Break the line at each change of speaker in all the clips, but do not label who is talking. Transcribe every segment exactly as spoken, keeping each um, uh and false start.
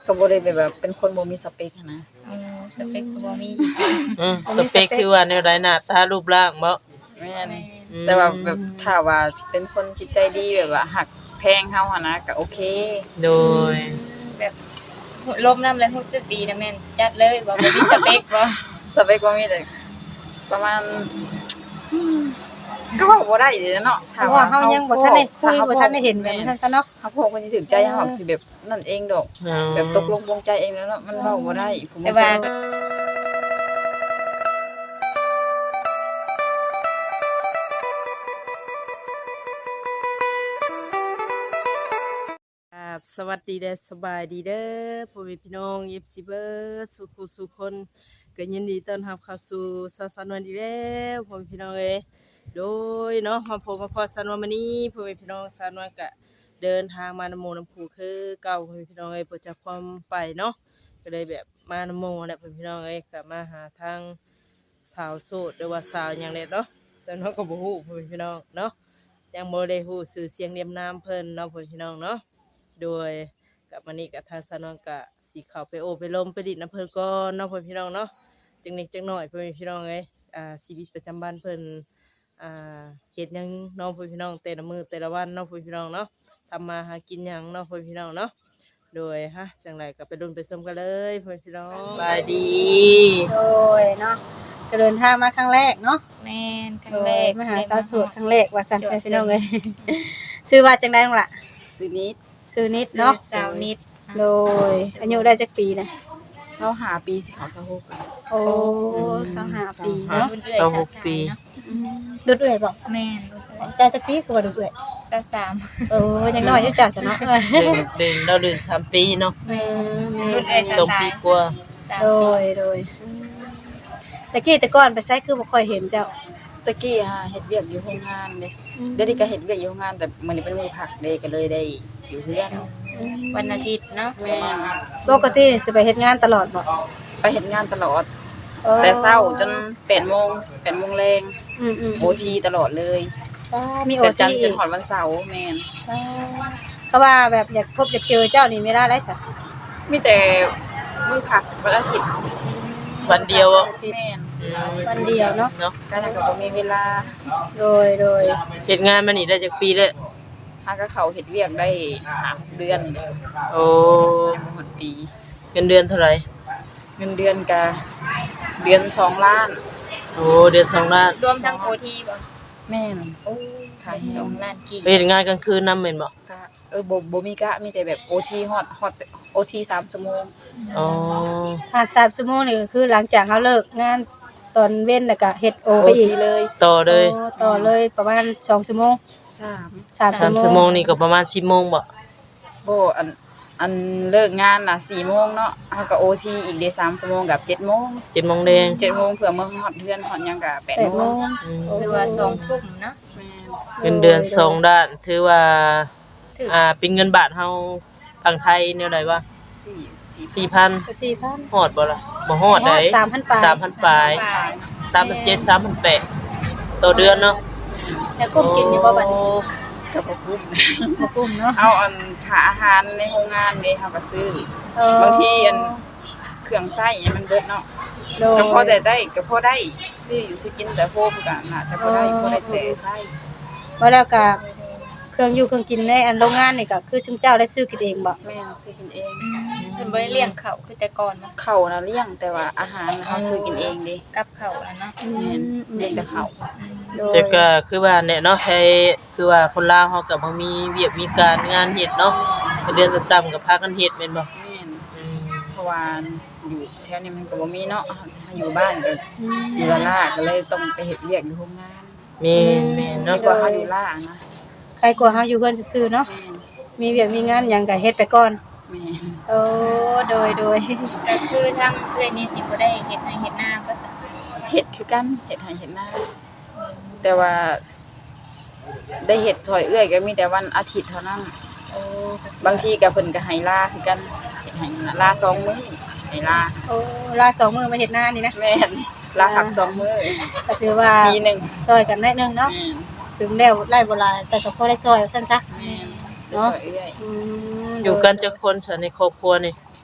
ก็บ่ได้แบบเป็นคนบ่มีสเปคนะ
อ๋อสเปคก็บ่มี
อืมสเปคคือว่าแนวใดหน้าตารูปร่างบ่
แม่นแต่ว่าแบบถ้าว่าเป็นคนจิตใจดีแบบว่าหักแพงเฮาหั่นนะก็โอเค
โดย
แบบลมน้ำแล้วรู้สึกดีนะแม่นจัดเลยบ่บ่มีสเปคบ่
สเปคบ่มีแต่ประมาณก็เว้าบ่ได้เด้เนาะ
เพราะว่าเฮายังบ่ทันได้คุยบ่ทันได้เห็นกันซั่นซะเนาะ
เฮาพวกมันสิถึงใจเฮาสิแบบนั่นเองดอกแบบตกลงปลงใจเองแล้วเนาะมันเว้าบ่ได้ผม
แต่ว่า
สวัสดีเด้อสบายดีเด้อพ่อแม่พี่น้อง เอฟ ซี เบิร์ดสุขุสุขคนก็ยินดีต้อนรับเข้าสู่สาวสาววันดีแล้วพ่อแม่พี่น้องเอ้ยโดยเนาะมาพบมาพอสาววันนี้พ่อแม่พี่น้องสาววันก็เดินทางมานำโมน้ำผูคือเก่าพ่อแม่พี่น้องเอ้ยเพื่อจะความไปเนาะก็เลยแบบมานำโมแหละพ่อแม่พี่น้องเอ้ยก็มาหาทางสาวโสดหรือว่าสาวอย่างเนี้ยเนาะสาวน้องก็บ่ฮู้พ่อแม่พี่น้องเนาะยังบ่ได้ฮู้ชื่อเสียงเรียมนามเพิ่นเนาะพ่อแม่พี่น้องเนาะโดยกับมันนี่กับทางสนองกะสีขาวไปโอไปลมไปดิดน้ำเพิ่นก้อนเนาะเพื่อนพี่น้องเนาะจังนิดจังหน่อยเพื่อนพี่น้องเลยอ่าชีวิตประจำบ้านเพิ่นอ่าเฮ็ดยังเนาะเพื่อนพี่น้องแต่ละมือแต่ละวันเนาะเพื่อนพี่น้องเนาะทำมาหากินยังเนาะเพื่อนพี่น้องเนาะโดยฮะจังไรก็ไปดุนไปส้มกันเลยเพื่อนพี่น้องสบายดี
โดยเนาะก็เดินทางมาครั้งแรกเนาะ
แม่นครั้งแรก
มาหาสาวโสดครั้งแรกว่าซั่นพี่น้องเอ้ยชื่อว่าจังได๋น้องล่ะ
ซื้อนิด
ชื่อนิดเนาะ
สาวนิด
โดยอายุได้จักปีนะ
เศร้าหาปีสิเขาเศร้าหก
โอ้สองห้าปีเนาะ
สองหกปี
ดุดเอื้อยบ่
แม่น
จ้าจักปีคือว่าดุดเอื้อย
สาวสาม
โอ้ยังน้อยอยู่จ้าซะเนาะ
เดินเดินเราเดินสามปีเนาะ
รุ่นเอ้ยสาวปี
กว่า
โดยโดยตะกี้แต่ก่อนไปไสคือบ่ค่อยเห็นเจ้า
ตะกี้ฮะเฮ็ดเวียกอยู่โรงงานเด้เดี๋ยวนี้ก็เฮ็ดเวียกอยู่โรงงานแต่มื้อนี้เป็นมื้อพักเด้ก็เลยได้อยู่เฮือน
วันอาทิตย์เนาะ
แม่
ปกติสิไปเฮ็ดงานตลอดบ่
ไปเฮ็ดงานตลอดแต่เช้าจนแปดโมง แปดโมงแลง
อือๆ
โอ ที ตลอดเลย
อ๋อมี โอ ที
แต่จันทร์จนฮอดวันเสาร์แม่น
เขาว่าแบบอยากพบอยากเจอเจ้านี่เวลาได้ซะ
มีแต่มื้อพักวันอาทิตย์
วันเดียวอ่ะ
แม่น
วันเดียวเนาะ
เนาะ
ก็แล้วก็บ่มีเวลา
โดยโดย
เฮ็ดงานมานี่ได้จักปีแล้ว
หาก็เข้าเฮ็ดเวียกได้ห้าเดือน
โอ้
ยังบ่หมดปี
เงินเดือนเท่าไหร่
เงินเดือนก็เดือนสองล้าน
โอ้เดือนสองล้าน
รวมทั้ง โอ ที บ่
แม่น
โอ้ขายสองล้านกี่
ไปเฮ็ดงานกลางคืนนำแม่นบ่
ก็เออบ่บ่มีกะมีแต่แบบ โอ ที ฮอดฮอด โอ ที สามชั่วโมง
อ๋อ
ถ้าสามชั่วโมงนี่ก็คือหลังจากเฮาเลิกงานตอนเว้นแล้วก็เฮ็ดโอไปอีก
เลย
ต่อเลย
ต่อเลยประมาณสองชั่วโมง
สาม
สาม
ชั่วโมงนี่ก็ประมาณสิบโมงบ่
บ่อันอันเลิกงานน่ะสี่โมงเนาะเฮาก็ โอ ที อีกได้สามชั่วโมงกับเจ็ดโมง
เจ็ดโมงแดง
เจ็ดโมงเพื่อมื้อฮอดเฮือนฮอดหยังก็แปดโมง
คือว่าสองทุ่มเนาะ
เงินเดือนสองด้านถือว่าอ่าเป็นเงินบาทเฮาฝั่งไทยแนวใดวะ
สี่
สี่พัน
สี่พัน
ฮอดบ่ล่ะบ่ฮอดได้
สามพัน ปลาย
สามพัน ปลายสามพันเจ็ด สามพันแปดต่อเดือนเนาะ
แล้วกุ้มกินอยู่บ่บัดนี้
ก็บ่คุ้ม
บ่กุ้มเนาะ
เอาอันค่าอาหารในโรงงานนี่เฮาก็ซื้อบางทีอันเครื่องใช้มันเบิดเนาะก็พอได้ได้ก็พอได้ซื้ออยู่สิกินแต่โฮมก็น่าจะบ่ได้บ่ได้แต่ใช้
ว่าแล้วก็เครื่องอยู่เครื่องกินในอันโรงงานนี่ก็คือชุมเจ้าได้ซื้อกินเองบ่
แม่นซื้อกินเอง
เพิ่นบ่ได้เลี้ยงเขาคือแต่ก่อนเนาะ
เขาน่ะเลี้ยงแต่ว่าอาหารเฮาซื้อกินเองเด้
กับเขาแล้วเนาะ
แม่นเลี้ยงแต่เขา
แต่ก็คือว่าเนี่ยเนาะใช้คือว่าคนลาวเฮาก็บ่มีเวียกมีการงานเฮ็ดเนาะเดือนต่ำๆก็พากันเฮ็ดแม่นบ่
แม่นเพราะว่าอยู่แถวนี้มันก็บ่มีเนาะอยู่บ้านก็อยู่ละล่าก็เลยต้องไปเฮ็ดเวียกอยู่โรงงาน
แม่นแม่นเนาะ
ก็เฮาอยู่ล่านะ
ใครกลัวเฮาอยู่เพิ่นซื่อๆเนาะมีเวียกมีงานหยังก็เฮ็ดไปก่อน
แม่น
โอ้โดยโดย
ก็คือทางเอื้อยนิดนี่บ่ได้เฮ็ดให้เฮ็ดนาก็ซะ
เฮ็ดคือกันเฮ็ดให้เฮ็ดนาแต่ว่าได้เฮ็ดช่วยเอื้อยก็มีแต่วันอาทิตย์เท่านั้น
โอ้
บางทีก็เพิ่นก็ให้ลาคือกันเฮ็ดให้ลาสองมื้อให้ลา
โอ้ลาสองมื้อมาเฮ็ดนานี่นะ
แม่นลาพักสองมื้อ
ก็ถือว่า
ปีนึง
ช่วยกันได้นึงเนาะถึงแล้วไล่บ่หลายแต่ก็พอได้ช่วยว่าซั่นซะ
แม่นเนาะเอื้อย
อืม
อยู่กันจักคนซะในครอบครัวนี่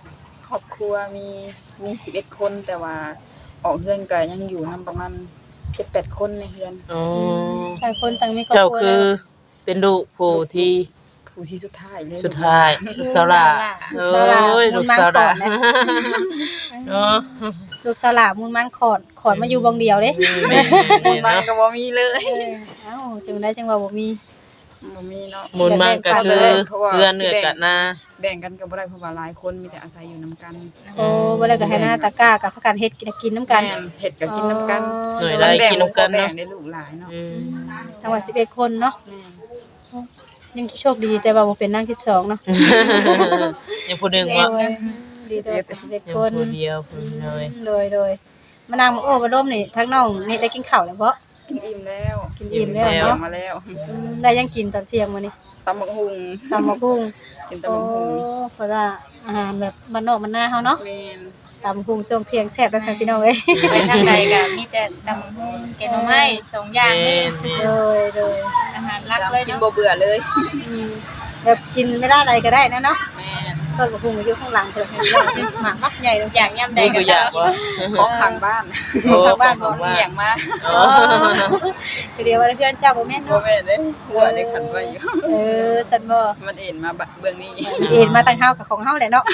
ครอบครัวมีมีสิบเอ็ดคนแต่ว่าออกเฮือนก็ยังอยู่นํประมาณเจ็ดแปดคนในเฮือน
อ๋อ
ต่างคนต่างมีครอบ
เจ้า
ครัว
คือเป็นลูกผู้ที่
ผู้ที่สุดท้ายเลย
สุดท้ายลูกสาวหลาโอ้ยลูกสาวหลาเนาะ
ลูกสลามูลมันขอดขอดมาอยู่บองเดียวเด้
แม่
มูลมัน
เนาะ
ก็บ่มีเลย
เออเอ้าจังได้จังว่าบ่มี
บ่มีเนาะ
มูลมันก็คือเพื่อนเนื้อกันนะ
แบ่งกันก็บ่ได้เพราะว่าหลายคนมีแต่อาศัยอยู่นํกัน
โอ้บ่ได้ก็ให้หน้าตะกร้ากับพากันเฮ็ดกินกินน้ำกัน
แม่เฮ็ดก็กินนํกัน
หน่วยได้กินนำกัน
แบ่
เนาะ
งได้ลูกหลายเนาะ
อืม
จังหวัดสิบเอ็ดคนเนาะ
แม่น
ยังโชคดีแต่ว่าบ่เป็นนางสิบสองเนาะ
ยังผู้หนึงว่า
โอ้ยดีแต่ว่าเป็นสิบเอ็ด
ยัง
คน
ผู้เดียวผู้เลย
โดยโดยมานางโอ้มาร่มนี่ทั้งน้องนี่ได้กินข้าวแล้วบ่
กินอิ่มแล้ว
กินอิ่มแล้ว
เนาะ
เนาะ
มาแล้ว
อืมได้ยังกินตอนเที่ยงมื้อนี้
ตำบักหุ่ง
ตำมะกุ้ง
กิน
โอ้
ตำบักหุ่ง
ฝรั่งอาหารแบบบ้านนอกบ้านนาเฮาเนาะ
แม่น
ตำกุ้งช่วงเที่ยงแซ่บแล้วค่ะพี่น้องเอ้ย
ไปทางใดก็มีแต่ตำบักหุ่งแกงหน่อไม้สองอย่าง
แม่
เลย
น
โดยโดย
อาหารหลักเลย
กิน
เนาะ
บ่เบื่อเลย
อืมแบบกินไม่ได้อะไรก็ได้นะเนาะ
แม่น
ต้นมะกุ้งอยู่ข้างหลังเพิ่นเห็นแล้วนี่หมากมักใหญ่เลย
อยากย่ำใด
มี
ก็
ตัวอย่างบ่
ของทางบ้าน
โอ้
ทางบ้าน
ข
บ่
อง
มี
บ้าน
เลี้ยงมา
อ๋อ
คือเดียวว่าเพื่อนเจ้าบ่แม่น
บ่
เนาะ
แม่นเด้หัวได้ขันไว้อยู่
เออจันบ่
มันเอ็นมาบะเบื้องนี้
เอ็นมาทางเฮากับของเฮาแหละเนาะ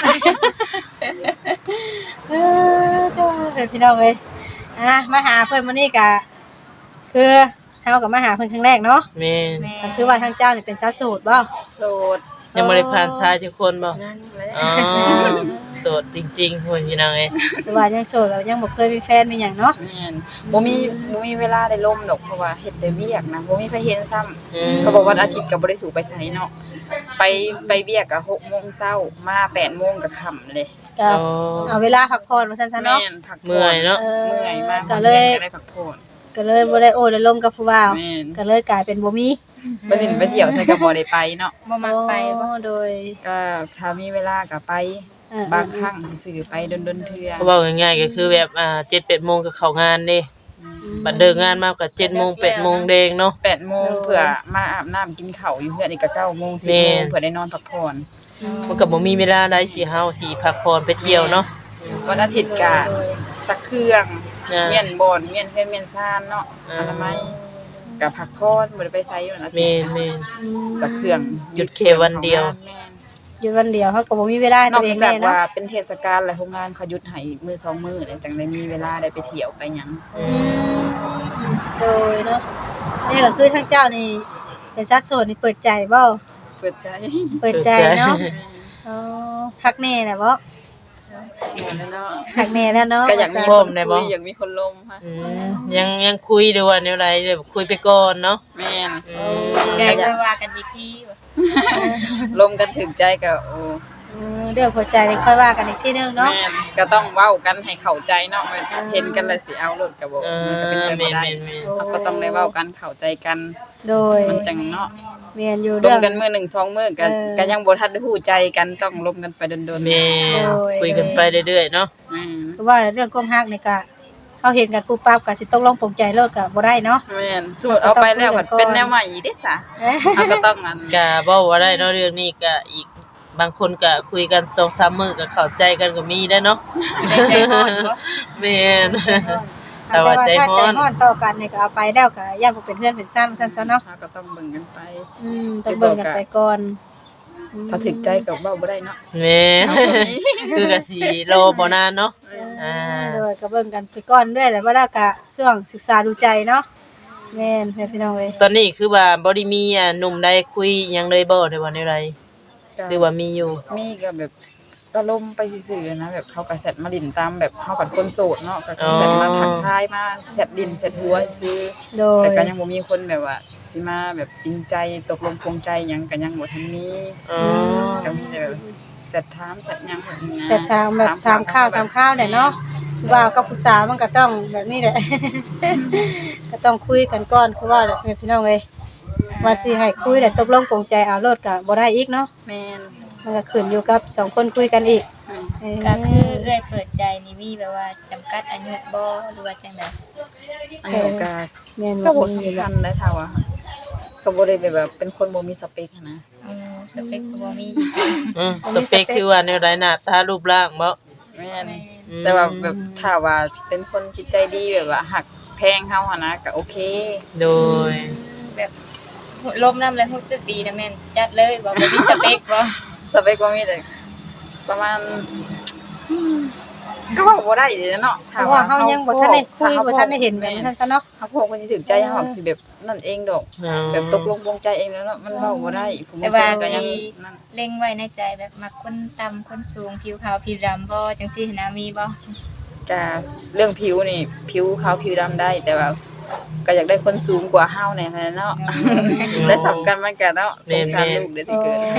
เออเจ้าเพิ่นพี่น้องเอ้ยอ่ะมาหาเพิ่นมื้อนี้ก็คือเฮาก็มาหาเพิ่นครั้งแรกเนาะ
แม่น
แม่
ก็คือว่าทางเจ้านี่เป็นสาวโสดบ่
โสด
ยังบ่ได้ผ่านชายจักคนบ่
นั่นแหละ
อ๋อโสดจริงๆพุ่นพี่น้องเอ้ย
คือว่ายังโสดแล้วยังบ่เคยมีแฟนมีหยังเนาะ
แม่นบ่มีบ่มีเวลาได้ล่มดอกเพราะว่าเฮ็ดแต่เวียกนะบ่มีไผเห็นซ้ำ
อืม
เขาบอกวันอาทิตย์ก็บ่ได้สู่ไปไสเนาะไปไปเวียกก็หกโมงเช้ามาแปดโมงก็ค่ำเลย
ก็
อ๋อ
เอาเวลาพักผ่อนว่าซั่นซะเนาะ
แม่นพักผ่
เมื่อยเนาะ
เออ
เมื่อยมาก
ก็เลย
ก็ได้พักผ่อน
ก็เลยบ่ได้โอ้ได้ลมกับผู้บ่าว
แม่น
ก็เลยกลายเป็นบ่มี
ไปเล่นไปเที่ยวใส่ก็บ่ได้ไปเนาะ
บ่มักไปบ่
โอ้โดย
ก็ถ้ามีเวลาก็ไป
เออบ
างครั้งสิไปดนๆเทื่อ
เขาบอกง่ายๆก็คือแบบอ่าเจ็ดแปดโมงก็เข้างานเด้บัดเดินงานมาก็เจ็ดโมงแปดโมงแดงเนาะ
แปดโมงเพื่อมาอาบน้ำกินข้าวอยู่เพื่อนอีกก็เก้าโมงสิบ
แม่
โมงเพื่อได้นอนพักผ่อน
มันก็บ่มีเวลาได้สิเฮาสิพักผ่อนไปเที่ยวเนาะ
วันอาทิตย์ก็สักเครื่อง
อ่า
เมียนบอนเมียนเพื่อนเมียนซ่านเนาะ
อ่า
อนามัยกับพักผ่อนบ่ได้ไปไสวันอาทิ
แม่
ต
น
ย์
แม่น
สักเครื่อง
หยุดแค่วันเดียว
แม่น
หยุดวันเดียวเฮาก็บ่มีเวลาให้
นอ
ตั
ก
วเอง
จาก
แน่เนาะ
ว่าเป็นเทศกาลหลายโรงงานเขาหยุดให้มื้อสองมื้อเนี่ยจังได้มีเวลาได้ไปเที่ยวไปหยัง
อืม
โดยเนาะนี่ก็คือทางเจ้านี่เป็นสาวโสดนี่เปิดใจบ่
เปิดใจ
เปิดใจเนาะอ๋อคักแน่แหละบ่
เหมือนเลยเนาะ
คักแน่แล้วเนาะ
ก็อยากมี
พร้
ค
อม
น
ได้บ่
คุยอยากมีคนลมค่ะ
อืมยังยังคุยดูว่าแนวใดแบบคุยไปก่อนเนาะ
แม่น
อืม
ใจไปว่ากันอีกทีว่ะ
ลมกันถึงใจก็โอ้
เออเรื่องหัวใจนี่ค่อยว่ากันอีกทีนึงเนาะ
แม่นก็ต้องเว้ากันให้เข้าใจเนาะมันเห็นกันแล้วสิเอารถก็บ่
เอ
มัน
อ
ก็เป็นไป
แม่
บ่
น
ได้
แม่นแม่น
เราก็ต้องได้เว้ากันเข้าใจกัน
โดย
มันจังเนาะ
เมียนอยู่
ล
เรื่อ
ม
ง
กันมื้อหนึ่งสองมื้อกัน
เออ
ก็ยังบ่ทันได้ฮู้ใจกันต้องลมกันไปโดนๆ
แม่น
โดย
คุยกันไปเรื่อยๆเนาะ
อืม
คือว่าเรื่องความรักนี่ก็เขาเห็นกันปุ๊บปั๊บก็สิต้องลงปลงใจเลิกก็บ่ได้เนาะ
แม่นสมมุติเอาไปแล้วมันเป็นแนวใหม่อีกเด้ซะ
เอ๊ะ
เราก็ต้องอัน
ก็บ่ว่าได้เนาะเรื่องนี้ก็อีกบางคนก็คุยกัน สองสาม มื้อก็เข้าใจกันก็มีได้เนาะ
ใจร้อนบ่
แม่น แต่
แต่
ว่า
ว่า
ใจ
ถ้า
ฮ้
ใจ
อน
ฮ้อนต่อกันนี่ก็เอาไปแล้วก็ย่านบ่เป็นเพื่อนเป็นซ่านซั่นซะเนาะ
เราก็ต้องเบิ่งกันไป
อืมต้องเบิ่งกันไปก่อน
ถ้าถึกใจก็เว้าบ่ได้เนาะ
แม่นคือก็สิรอบ่นานเนาะอ่า
โดยก็เบิ่งกันไปก่อนเรื่อยแหละว่าแล้วก็ช่วงศึกษาดูใจเนาะแม่นแม่พี่น้องเอ้ย
ตอนนี้คือว่าบ่ได้มีอ่ะหนุ่มใดคุยหยังเลยบ่ได้ว่าแนวใดหรือว่ามีอยู่
มีก็แบบก็ลมไปซื่อๆนะแบบเขาก็แซดมาดินตามแบบเขากับคนโสดเนาะก็แซดมาทักทายมาแซดดินแซดหัวซื้อ
โดย
แต่ก็ยังบ่มีคนแบบว่าสิมาแบบจริงใจตกลงปลงใจหยังก็ยังบ่ทันมี
อ๋อ
ก็มีแต่แบบแซดถามแซดหยังแบบนี้นะ
แต่ทางแบบถามข้าวถามข้าวแหละเนาะว่ากับผู้สาวมันก็ต้องแบบนี้แหละ ก็ต้องคุยกันก่อนคือว่าแหละแม่พี่น้องเอ้ยว่าสิให้คุยแต่ตกลงปลงใจเอาโลดก็บ่ได้อีกเนาะ
แม่น
มันก็ขึ้นอยู่กับสองคนคุยกันอีก
แม่น
เออ
ก็คือเอื้อยเปิดใจนี่มีแบบว่าจำกัดอายุบ่หรือว่าจังได๋
อายุก็
แม่น
ก็
บ่
บ่
มี
สำคัญได้เท่าอะค่ะก็บ่ได้แบบว่าเป็นคนบ่มีสเปคหั้นนะ
อืมสเปคก็บ่มี
อืมสเปคคือว่าแนวใดหน้าตารูปร่างบ่
แม่นแต่ว่าแบบถ้าว่าเป็นคนจิตใจดีแบบว่าหักแพงเฮาหั่นนะก็โอเค
โดย
แบบลมน้ำแล้วรู้สึกดีนะแม่นจัดเลยบ่บ่มีสเปคบ่
สเปคก็มีแต่ประมาณก็ว่าบ่ได้เด้เนาะ
เพราะว่าเฮายังบ่ทันได้คุยบ่ทันได้เห็นแบบนั้นซะเนาะ
เฮาพวกคนสิถึงใจเฮาสิแบบนั่นเองดอก
อ๋อ
แบบตกลงปลงใจเองแล้วเนาะมันเว้าบ่ได้ผม
แต่ว่า
ก็ยัง
มี
นั่น
เล็งไว้ในใจแบบมักคนต่ำคนสูงผิวขาวผิวดำบ่จังซี่นะมีบ่
ก็เรื่องผิวนี่ผิวขาวผิวดำได้ แต่ว่าก็อยากได้คนสูงกว่าเฮาแน่คั่นเนาะและสำคัญมันก็เนาะสงสารลูกเด้อที่เกิด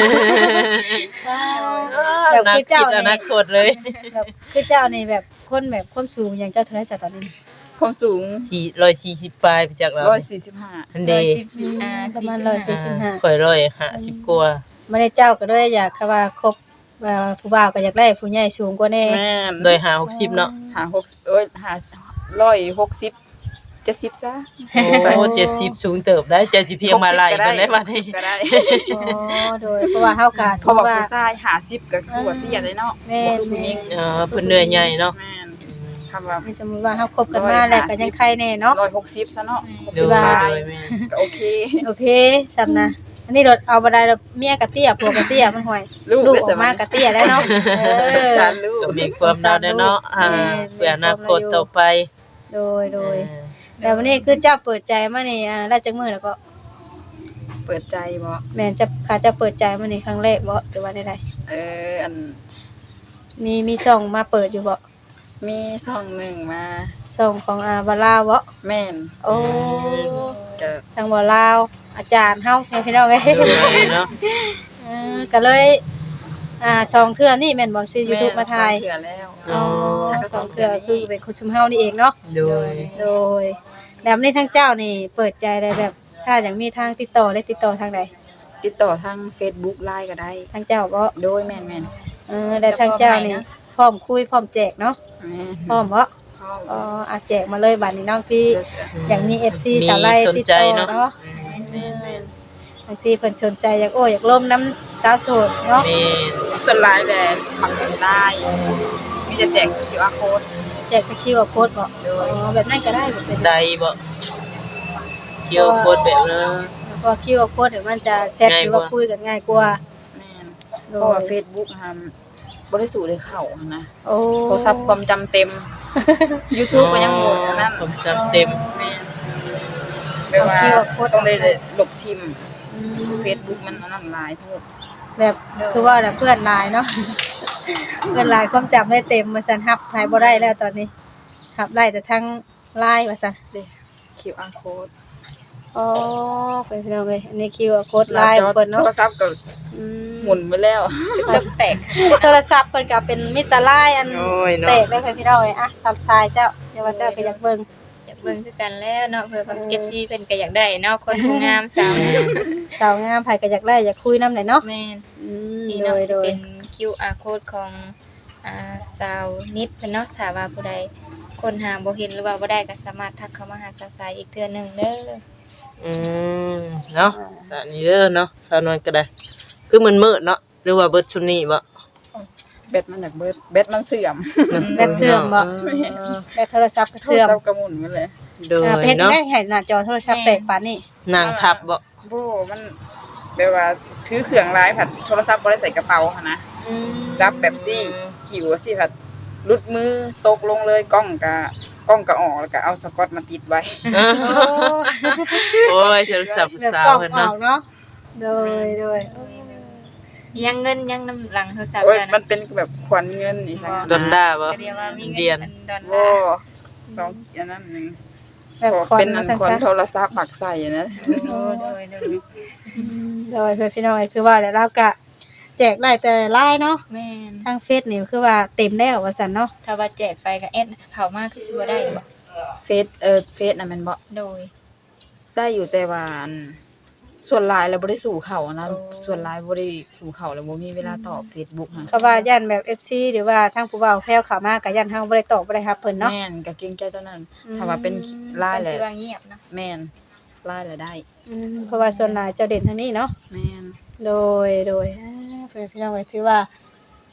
แบบ
นัก
คือ
คิ
เจ้า
ดอ
นี่
นาคตเลย
แบบคือเจ้านี่แบบคนแบบความสูงอย่างเจ้าเท่าไหร่ซะตอนนี้
ความสูง
สี่ร้อยสี่สิบปลายไปจากเรา
หนึ่งร้อยสี่สิบห้า
อันเด
ร้อย
ย์
สิบสี่อ่า
ประมาณ
สี่สิบห้
ร้อยสี่สิบห้า
ข่อยร้อยห้าสิบกว่า
บ่ได้เจ้าก็เลยอยากว่าคบเอ่อผู้บ่าวก็อยากได้ผู้ใหญ่สูงกว่าแน่
แม่น
โดยหาหกสิบเนาะ
หาหกโอ้ยหาร้อยหกสิบเจ็ดสิบซะ
โอ้เจ็ดสิบสูงเติบได้เจ็ดสิบเพียงมาลายกันได้บัดนี้
ก็ได้
อ๋อโดยเพราะว่าเฮาก็ส
เขา
ม
บอก
ว่า
ผู้ชายหาสิบก็คือว่าเตี้ยเลยเนาะ
แม่
บ่
น
คือผู้หญิง
เออเพิ่นเหนื่อยใหญ่เนาะ
แม่นคำว่า
มีสมมุติว่าเฮาคบกันมาแล้วก็ยังใครแน่เนาะ
ร้อยหกสิบซะเนาะหก
โด
สิบ
ย
ปลาย
โดยแม่
ก็โอเค
โอเคซ้ำนะอันนี้รถเอาบ่ได้แล้วเมียกะเตี้ยผัวกะเตี้ยมันห่วย
ลูก
ลูก
ได้
อ
ส
อก
มั
มาย กะเตี้ยแล้วเนาะเอ
สง
อ
สารลูก
ก็มีความน่าได้เนาะอ่าเพื่ออนาคตต่อไป
โดยโดยแต่วันนี้คือเจ้าเปิดใจมานี่อ่าได้จักมื้อแล้วก็
เปิดใจบ่
แม่นจะขาเจะเปิดใจมานี่ครั้งแรกบ่หรือว่าใด
เอออัน
ๆมีมีช่องมาเปิดอยู่บ่
มีช่องหนึ่งมา
ช่องของอาบาลาวบ่
แม่น
โอ้
ก็
ทางบาลาวอาจารย์เฮาให้พี่น้องเอ้ย
โดยเนาะ
เออก็เลยอ่าสองเทื่อนี่แม่นบ่ซื้อ YouTube มาถ่าย
เถื่อแล้ว
อ๋อสองเทื่อคือเป็นคนชุมเฮานี่เองเนาะ
โดย
โดยแบบนี้ทั้งเจ้านี่เปิดใจได้แบบ ถ้าอย่างมีทางติดต่อได้ติดต่อทางใด
ติดต่อทาง Facebook ไลน์ก็ได้
ทางเจ้าบ่
โดยแม่นแม่น
เออแต่ทางเจ้านี่พร้อมคุยพร้อมแจกเนาะ
แม่น
พร้อมบ่
พ่อ
อ๋ออาแจกมาเลยบัดนี้น้องที่อย่างมี เอฟ ซี สาวไล่
สน
ติด
ใจ
ต่อ
เนาะ
เนาะบางทีเพิ่นสนใจอยากโอ้อยากล่มน้ำสาวโสดเนาะ
แม่น
ส่วนไลน์แหละปักเป็นได้มีจะแจก คิว อาร์ code
แจกสกิลโค้ดบ่อ๋อแบบนั้นก็ได้บ่เป็น
ได้บ่เกี่ยวโคตรแบบนั้น
เพราะคิวโค้ดเดี๋ยวมันจะแซดหรือว่าคุยกันง่ายกว่า
แม่น
โด
เพราะว่าย เฟซบุ๊กทำบริสุทธิ์เลยเข้าหั้นนะ
โอ้
โทรศัพท์ความจำเต็ม YouTube ก็ยังบ่อันนั้น
ผมจำเต็ม
แม่นแปลว่าต้องได้ลบทิม
อืม
Facebook มันอันนั้นหลายโพด
แบบคือว่าแบบเพื่อนหลายเนาะ เพื่อนหลายความจำไม่เต็มมาซั่นฮับถ่ายบ่ได้แล้วตอนนี้ฮับได้แต่ทั้งไลน์ว่าซั่น
เด้ คิว อาร์ code
อ๋อเป็นพี่น้องเอ้ยอันนี้คิวโค้ดไลน์ของเพิ่น
โท
เนาะ
รศัพท์ก็
อืม
หมุนไปแล้ว
แตก
โทรศัพท์เพิ่นก็เป็นมิตรไลน์อัน
โอ้ยเนาะ
เตะได้ค่ะพี่น้องเอ้ยอ่ะซับชายเจ้าเดี๋ยวว่าเจ้าก็อยากเบิ่ง
อยากเบิ่งคือกันแล้วเนาะเพื่อแบบ เอฟ ซี เพิ่นก็อยากได้เนาะคนผู้งามสาวงาม
สาวงามไผก็อยากได้อยากคุยนำได้เนาะ
แม่น
อืม
นี่
โด
เนาะ
ย
สิ
โดย
เป็น คิว อาร์ code ของอ่าสาวนิดเพิ่นเนาะถ้าว่าผู้ใดคนหาบ่เห็นหรือว่าบ่ได้ก็สามารถทักเข้ามาหาสาวสายอีกเทื่อหนึงเด้อ
อืมเนาะอันนี้เด้อเนาะสาวนวลก็ได้ คือมันมืดเนาะหรือว่าเบิดชุดนี้บ่
แบตมันจากเบิดแบตมันเสื่อม
แบตเสื่อมบ่แบตโทรศัพท์ก็เสื่อม
โทรศัพท์กระหมุนไปเลย
โดย
อ่าเพชร
เนาะ
ได้ให้หน้าจอโทรศัพท์แตกปานนี้
นางทับบ่
โบมันแบบว่าถือเครื่องร้ายผัดโทรศัพท์บ่ได้ใส่กระเป๋าหั้นนะ
อืม
จับแบบซี่หิวสิผัดหลุดมือตกลงเลยกล้องกะกล้องกะออกแล้วก็เอาสกอตมาติดไว้
โอ้
โอ้ยโทรศัพท์ผู้
แบบ
สาว
กล้อง
เพิ่น
ออ
เนาะ
กเนาะโดยโดย
ยังเงินยังน้ำหลังโทรศัพท์
โอ้ย
กัน
มันเป็นแบบขวัญเงินนี่ซั่น
ดอนด้าบ่
ก็เรียกว่ามี
เดี
เงิ
ย
น
น
อันดอน
โอ้
ลาร์
สองอันนั้นหนึง
แบบคอน
เป็นอั
มาน ซั่น
ขวัญ
ซะ
โทรศัพท์หมักใส่อะนะ
โอ้โดยโดย
โดยเพื่อนพี่น้องเอ้ยคือว่าแล้วเราก็แจกได้แต่ไลน์เนาะ
แม่น
ทางเฟซนี่คือว่าเต็มแล้วว่าซั่นเนาะ
ถ้าว่าแจกไปก็แอดเข้ามาคือสิบ่ได้บ่
เฟซเออเฟซน่ะแมันบ่
โดย
ได้อยู่แต่ว่าอันส่วนหลายแล้วบ่ได้สู่เขานะ
โอ้
ส่วนหลายบ่ได้สู่เขาแล้วบ่มีเวลาตอบ Facebook ฮะ
เขาว่าย่านแบบ เอฟ ซี หรือว่าทางผู้เว้าแพรวเข้ามาก็ย่านเฮาบ่ได้ตอบบ่ได้รับเพิ่นเนาะ
แม่นก็เกรงใจตัวนั้น
อืม
ถ้าว่าเป็นไลน์แห
เพิ่น
ละ
สิว่าเงียบเนาะ
แม่นไลน์แหละได้
อืมเพราะว่าส่วนหลายเจ้าเด่นทางนี้เนาะ
แม่น
โดยโดยอ่าเพื่อนพี่น้องเอ้ยถือว่า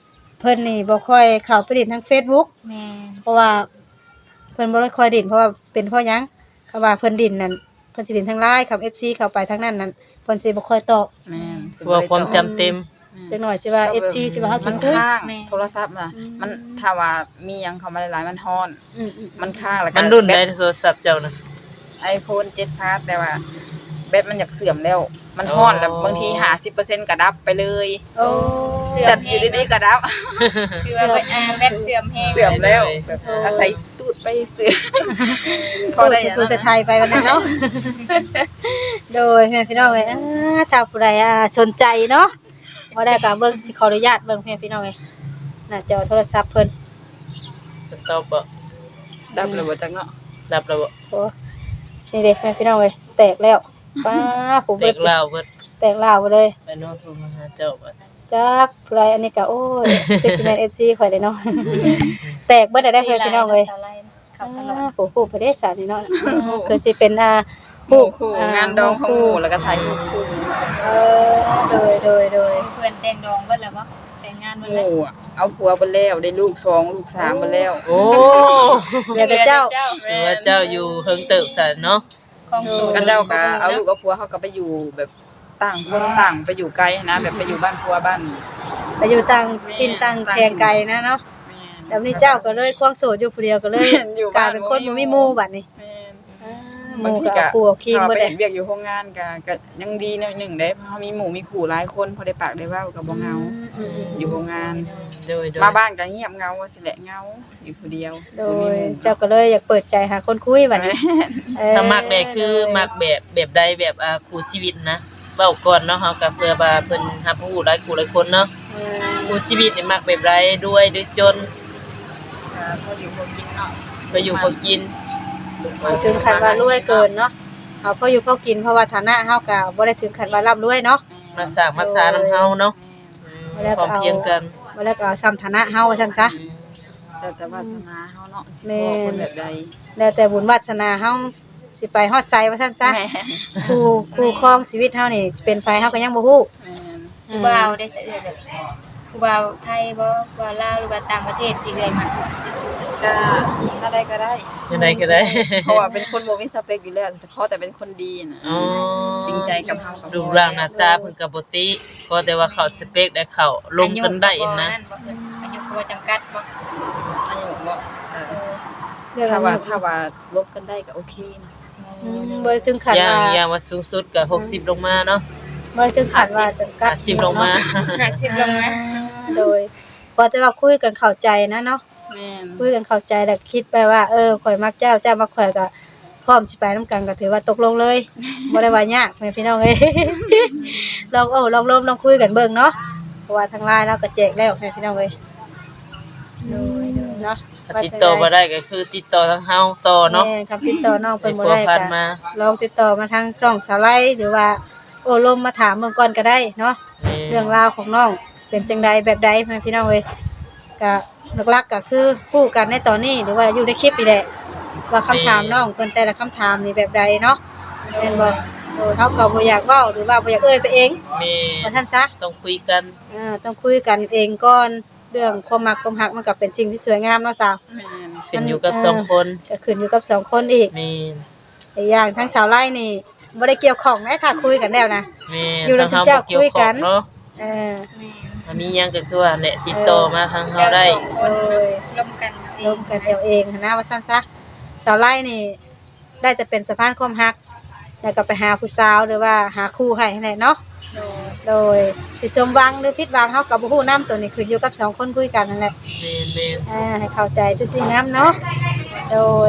พิ่นนี่บ่ค่อยเข้าไปเล่นทาง Facebook
แม่น
เพราะว่าเพิ่นบ่ได้ค่อยเล่นเพราะว่าเป็นเพราะหยังคำว่าเพิ่นดินนั่นเพิ่นสิเล่นทาง ไลน์ ครับ เอฟ ซี เข้าไปทางนั้นนั่นเพิ่นสิบ่ค่อยตอบ
แม่นสิ
ว่า
ได้
ความ
ตอบ
จำเต็ม
จังหน่อยสิว่า เอฟ ซี สิว่าเฮากิ
มัน น
คุย
ค้างโทรศัพท์น่ะมันถ้าว่ามีหยังเข้ามาหลายๆมันฮ้อน
อืม
มันค้างแล้วก็
มันรุ่น
แบ
ได้
ต
โทรศัพท์เจ้านะ
iPhone เจ็ด Plus แต่ว่าแบตมันอยากเสื่อมแล้ว มันฮ้อนแล้วบางทีห้าสิบเปอร์เซ็นต์ก็ดับไปเลย
ๆโอ้
เสื่อ
จั
ม
ดอยู่ดีๆก็ดับ
คือว่าอ่าแบตเสื่อมแฮง
เสื่อมแล้วแบบอาศัยตูดไปเสื่อมพอ
ตู้
ได้
จะทูจะไทยไปวันนั้นเนาะ โดยแม่พี่น้องเอ้ยอ่าถ้าผู้ใดอ่าสนใจเนาะบ่ได้ก็เบิ่งสิขออนุญาตเบิ่งแม่พี่น้องเอ้ยหน้าจอโทรศัพท์เพิ่น
สต็อปบ่
ดับเลยบ่จักเนาะ
ดับแล้วบ่
โอ้นี่เด้แม่พี่น้องเอ้ยแตกแล้วป้าผม
เด็
เบิ
ก
ด
ลาวเบิด
แตกลาวไปเลย
ไปโน้ตโทรมาหาเจ้าบ่
จักผู้ใดอันนี้ก็โอ้ยเป็นซีแมน เอฟ ซี ข่อยเลยเนาะ แตกเบิดได้ได้เพิ่นพี่น้องเอ้ย
เข้าตลอด
โอ้โหประเทศสานี่เนาะคือสิเป็นอ่าผู้
คู่งานดองของหมู่แล้วก็ถ่ายรูปคู่
เออโดยโดยโดย
เพื่อนแต่งดองเบิดแล้วบ่แต่งงานเบิด
ห
แล้ว
มู่อะเอาผัวไปแล้วได้ลูกสองลูกสามไปแล้ว
โอ้
เดี๋ยวแต่เจ้า
ถือว่าเจ้าอยู่เฮิงเติบซะเนาะ
ของสูตร
กันเจ้าก็เอาลูกเอาผัวเขาก็ไปอยู่แบบต่างคนต่างไปอยู่ไกลนะแบบไปอยู่บ้านผัวบ้าน
ไปอยู่ต่างกินต่างแขงไกลนะเนาะ
แม่น
แล้วนี่เจ้าก็เลยควงโสดอยู่ผู้เดียวก็เลย
อยู่
ก
บ้า
ลาน ยเป็นคนบ่มีหมู่บัดนี้
แม่น
อ่าห
บาง
มู่
ที
ก็
ก็
เอาคู่เอาครีม
ถ้า
บ่
ไป
ได้
เห็นเวียกอยู่โรงงานก็ก็ยังดีหน่อยหนึงได้เพราะเขามีหมู่มีขู่หลายคนพอได้ปากได้เว้าก็บ่เหงา
อืม
อยู่โรงงาน
โดยโดย
มาบ้านก็เงียบเหงาว่าสิแหละเหงาอยู่ผู้เดียว
โด
บ่มี
ย
หมู่
เจ้าก็เลยอยากเปิดใจหาคนคุยบัดนี้เออ
ถ้ามักได้คือมักแบบแบบใดแบบอ่าคู่ชีวิตนะเว้าก่อนเนาะเฮาก็เพื่อว่าเพิ่นรับรู้หลายคู่หลายคนเนาะ
เออ
คู่ชีวิตนี่มักแบบใดด้วยหรือจน
ก็พออยู่พอกินเนาะ
ไปอยู่พอกิน
บ่ถึงขั้นว่ารวยเกินเนาะเอาพออยู่พอกินเพราะว่าฐานะเฮาก็บ่ได้ถึงขั้นว่าร่ำรวยเนาะ
มาสร้างมาสานำเฮาเนาะอืมพร้อมเพรียงกัน
บ่แล้วก็เอาซ้ำฐานะเฮาว่าซั่นซะ
แต่แต่วาสนาเฮาเนาะสิ
แม่
พอคนแบบใด
แล้วแต่บุญวาสนาเฮาสิไปฮอดไสว่าซั่นซะ
แม่น
คู่คู่ครองชีวิตเฮานี่สิเป็นไผเฮาก็ยังบ่ฮู้
แม่น
ผู้บ่าวได้เสยแบบผู้บ่าวไทยบ่ผู้บ่าวลาวหรือว่าต่างประเทศที่เอ่ยมา
ก็ถ้าได้ก็ได้
จังไดก็ได้
เพราะว่าเป็นคนบ่มีสเปคอยู่แล้วแต่ขอแต่เป็นคนดีน่ะ
อ๋อ
จริงใจกับเฮากับ
รูปร่างหน้าตาเพิ่นก็บ่ติขอแต่ว่าเข้าสเปคได้เข้าลงกันได้นะ
อายุก็บ่จำกัดบ่
อายุบ่เออ
เรื่อง
ถ้า
ว่า
ว่าถ้าว่าลบกันได้ก็โอเคนะ
บ่ได้ถึงขั้น
อย่าง
ว่า
อย่างว่าสูงสุดก็หกสิบลงมาเนาะ
บ่ได้ถึงขั้นว่าจำกัด
ห้าสิบลงมา
ห้าสิบลงนะ
โดยพอแต่ว่าคุยกันเข้าใจนะเนาะ
แม่น
คุยกันเข้าใจแล้วคิดไปว่าเออข่อยมักเจ้าเจ้ามักข่อยก็พร้อมสิไปนํกันก็ถือว่าตกลงเลยบ่ได้ว่ายากแม่พี่น้องเอ้ย ลองโอ้ลองล้มลองคุยกันเบิ่งเนาะเพราะว่าทางไลน์เราก็แจกแล้วแม่พี่น้องเอ้ยโดยเนาะ
ถ้าติดต่อบ่ได้ก็คือติดต่อทางเฮาต่อเนาะ
แม่คำติดต่อน้องเพิ่นบ่ได้
ให้ผัวพัน
ก็
มา
ลองติดต่อมาทางช่องสาวไลหรือว่าโอ้ลมมาถามเบิ่งก่อนก็ได้เนาะ เรื่องราวของน้องเป็นจังใดแบบใดแม่พี่น้องเอ้ยก็หลักๆก็คือพูดกันในตอนนี้หรือว่าอยู่ในคลิปนี่แหละว่าคำถามน้องเพิ่นแต่ละคำถามนี่แบบใดเนาะแม่นบ่โอ้เฮาก็บ่อยากเว้าหรือว่าบ่อยากเอ่ยไปเอง
แม่
ว่าท่านซะ
ต้องคุยกัน
เออต้องคุยกันเองก่อนเรื่องความมักความฮักมันก็เป็นสิ่งที่สวยงามเนาะสาว
แม่น
ขึ้นอยู่กับสองคน
ก็ขึ้นอยู่กับสองคนอีก
แม่น
อีกอย่างทั้งสาวไล่นี่บ่ได้เกี่ยวข้องนะถ้าคุยกันแล้วนะ
แม่น
อยู่แล้ว
ทาง
เจ้า
เฮาบ่เกี่ยว
คุย
ข้
กั
อน งเนาะ
เออ
ถ้ามีหยังก็คือว่าแหละติดต่อมาทางเฮาได้
คนร่วมกัน
ร่วมกันเอาเองหั้นนะว่าซั่นซะสาวไล่นี่ได้แต่เป็นสะพานความฮักแล้วก็ไปหาผู้สาวหรือว่าหาคู่ให้นั่นแหละเนาะโดยสิสมหวังหรือผิดหวังเฮาก็บ่ฮู้นํตัวนี้ขึ้นอยู่กับสองคนคุยกันนั่นแหละ
แม่นแม่น
อ่าให้เข้าใจจุดที่น้ำเนาะโดย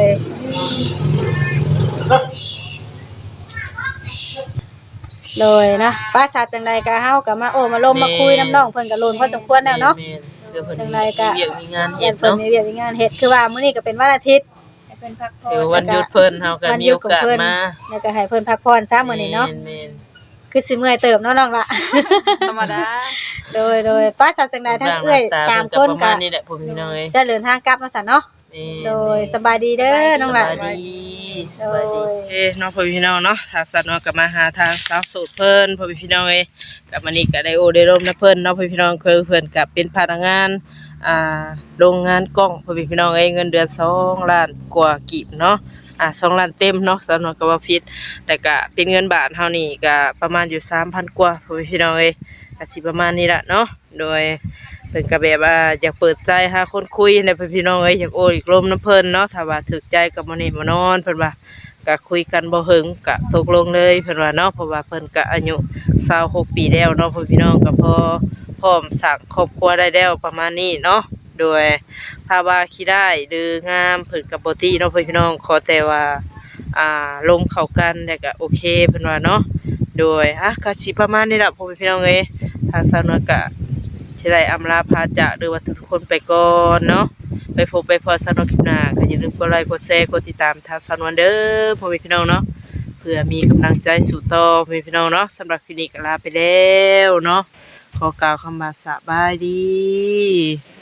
โดยนะป้าชาจังใดก็เฮาก็มาโอ้มาลมมาคุยน้ำน้องเพิ่นก็ลุ้นพอสมควรแล้วเนาะ
แม่นคือเพิ่น
จังใดก็
มีเวียกมีงาน
เฮ็
เฮ็
ด
ด
เพิ่น
เนาะ
มีเวียกมีงานเฮ็ดคือว่ามื้อนี้ก็เป็นวันอาทิตย์
ให้เพิ่นพักผ่อ
ถือน วันหยุดเพิ่นเฮาก็
วัน
มี
หยุด
โอ
ของ
กาส
เพิ่น
มา
แล้วก็ให้เพิ่นพักผ่อนซะมื้อนี้เนาะ
แม่น
คือสิเมื่อยเติบเนาะน้องละ
ธรรมดา
โดยโดยป้าชาจังใด
ๆ
ทั้งเอื้อย
ร่งห
สาม
ต
คน
เพิ่
ก็
ประมาณนี้แหละผมพี่น้องเอ้ย
จะเดินทางกลับเนาะซั่นเนาะ
แม่น
โดยสบายดีเด้อน้องละ
สบายดีสบายดี
โดย
เอ้น้องพ่อพี่น้องเนาะถ้าสัตว์เนาะก็มาหาทางสาวโสดเพิ่นพ่อพี่น้องเอ้ยกับมื้อนี้ก็ได้โอได้ร่มนะเพิ่นเนาะพ่อพี่น้องคือเพิ่นก็เป็นพนักงานอ่าโรงงานกล้องพ่อพี่น้องเอ้ยเงินเดือนสองล้านกว่ากีบเนาะอ่าสองล้านเต็มเนาะสำนวนก็บ่ผิดแต่ก็เป็นเงินบาทเฮานี่ก็ประมาณอยู่ สามพัน กว่าพ่อพี่น้องเอ้ยก็สิประมาณนี้ล่ะเนาะโดยเพิ่นก็แบบว่าอยากเปิดใจหาคนคุยในพ่อพี่น้องเอ้ยอยากโอ้ยกลมน้ำเพิ่นเนาะถ้าว่าถูกใจก็บ่นี่บ่นอนเพิ่นว่าก็คุยกันบ่หึงก็ตกลงเลยเพิ่นว่าเนาะเพราะว่าเพิ่นก็อายุยี่สิบหกปีแล้วเนาะพ่อพี่น้องก็พอพร้อมสร้างครอบครัวได้แล้วประมาณนี้เนาะโดยภาวะขี้ได้หรืองามเพิ่นก็บ่ติเนาะพ่อพี่น้องขอแต่ว่าอ่าลมเข้ากันแล้วก็โอเคเพิ่นว่าเนาะโดยอ่ะก็สิประมาณนี้ล่ะพ่อพี่น้องเอ้ยทางสาวนวลก็สิได้อำลาพาจากหรือว่าทุกๆคนไปก่อนเนาะไปพบไปพอสาวนวลคลิปหน้าก็อย่าลืมกดไลค์กดแชร์กดติดตามทางสาวนวลเด้อพ่อพี่น้องเนาะเพื่อมีกำลังใจสู่ต่อพ่อพี่น้องเนาะสำหรับคลิปนี้ก็ลาไปแล้วเนาะขอกล่าวคำว่าสบายดี